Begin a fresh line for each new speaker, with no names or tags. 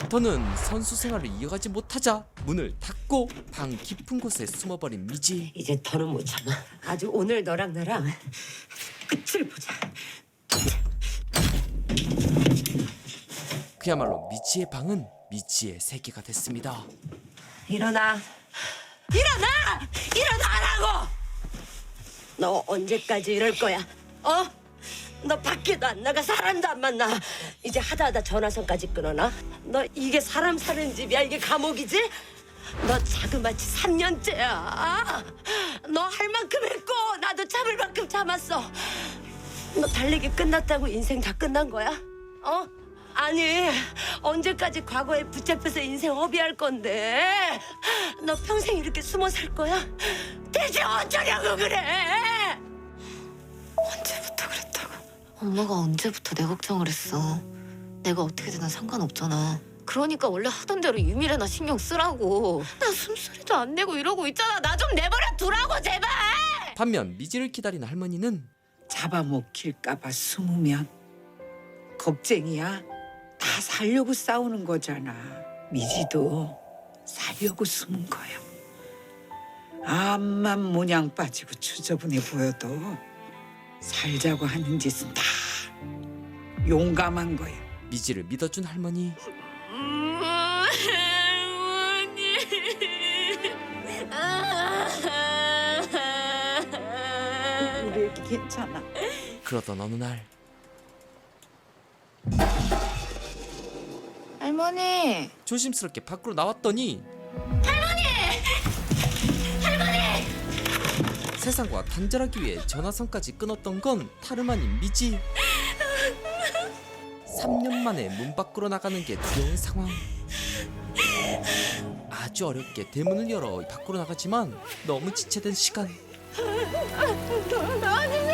더는 선수 생활을 이어가지 못하자 문을 닫고 방 깊은 곳에 숨어버린 미지.
이제 더는 못 참아. 아주 오늘 너랑 나랑 끝을 보자.
그야말로 미지의 방은 미지의 세계가 됐습니다.
일어나. 일어나! 일어나라고! 너 언제까지 이럴 거야? 어? 너 밖에도 안 나가 사람도 안 만나. 이제 하다 전화선까지 끊어놔. 너 이게 사람 사는 집이야? 이게 감옥이지? 너 자그마치 3년째야. 너 할 만큼 했고 나도 참을 만큼 참았어. 너 달리기 끝났다고 인생 다 끝난 거야? 어? 아니 언제까지 과거에 붙잡혀서 인생 허비할 건데? 너 평생 이렇게 숨어 살 거야? 대체 어쩌려고 그래?
언제부터 그랬다고? 엄마가 언제부터 내 걱정을 했어. 내가 어떻게 되나 상관없잖아. 그러니까 원래 하던 대로 유미래나 신경 쓰라고. 나 숨소리도 안 내고 이러고 있잖아. 나 좀 내버려 두라고 제발.
반면 미지를 기다리는 할머니는
잡아먹힐까봐 숨으면 겁쟁이야. 다 살려고 싸우는 거잖아. 미지도 살려고 숨은 거야. 암만 모냥 빠지고 추저분해 보여도 살자고 하는 짓은 다 용감한 거야.
미지를 믿어준 할머니.
우리 애기 괜찮아.
그러던 어느 날
할머니.
조심스럽게 밖으로 나왔더니 세상과 단절하기 위해 전화선까지 끊었던 건 다름 아닌 미지. 3년 만에 문 밖으로 나가는 게 두려운 상황. 아주 어렵게 대문을 열어 밖으로 나가지만 너무 지체된 시간.
나는